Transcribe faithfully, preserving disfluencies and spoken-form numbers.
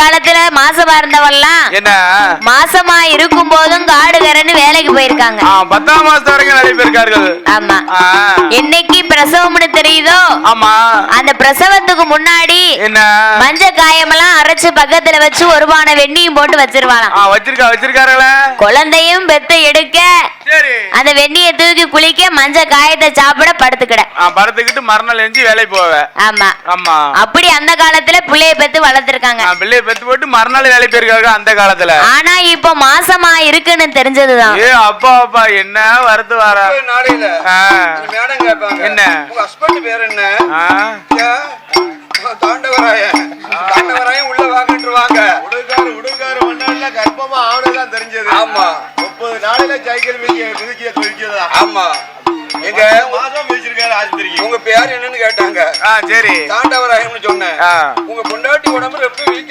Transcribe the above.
காலத்துல மாசமா இருந்தவெல்லாம் என்ன மாசமா இருக்கும் போதும் காடுகரன்னு வேலைக்கு போயிருக்காங்க. பத்தாம் மாசம் வரைக்கும் நிறைய பேருக்கார்கள். ஆமா. என்னைக்கு பிரசவம்னு தெரியுதோ ஆமா அந்த பிரசவத்துக்கு முன்னாடி என்ன மஞ்ச காயமெல்லாம் அரைச்சு பக்கத்துல வச்சு ஒரு பானை வெண்ணியும் போட்டு வச்சிருவாங்க. வச்சிருக்கா வச்சிருக்காருல குழந்தையும் பெத்து எடுக்க அந்த வெண்ணிய தூக்கி குளிக்க மஞ்ச காயத்தை சாப்பிட படுத்துக்கிட படுத்துக்கிட்டு மறுநாள் எஞ்சி வேலைக்கு போவ. ஆமா ஆமா அப்படி அந்த காலத்துல பிள்ளைய பெத்து வளர்த்திருக்காங்க. பிள்ளைய பெத்து போட்டு மறுநாள் வேலை போயிருக்காங்க அந்த காலத்துல. ஆனா இப்ப மாசமா இருக்குன்னு தெரிஞ்சதுதான். ஏ அப்பா அப்பா என்ன வரது வர நாளையில மேடம் கேட்பாங்க என்ன உங்க ஹஸ்பண்ட் பேர் என்ன? தாண்டவராய தாண்டவராயம் உள்ள வாங்கிட்டுருவாங்க. உடுகாரு உடுகாரு ஒன்னால கர்ப்பமா ஆவணதான் தெரிஞ்சது. ஆமா முப்பது நாளையில சைக்கிள் மிதிக்க சொல்லிச்சதா. ஆமா எங்க மாசம் மிதிச்சிருக்காரு ஆஸ்பத்திரிக்கு. உங்க பேர் என்னன்னு கேட்டாங்க. சரி தாண்டவராயம்னு சொன்னேன். உங்க பொண்டாட்டி உடம்பு ரொம்ப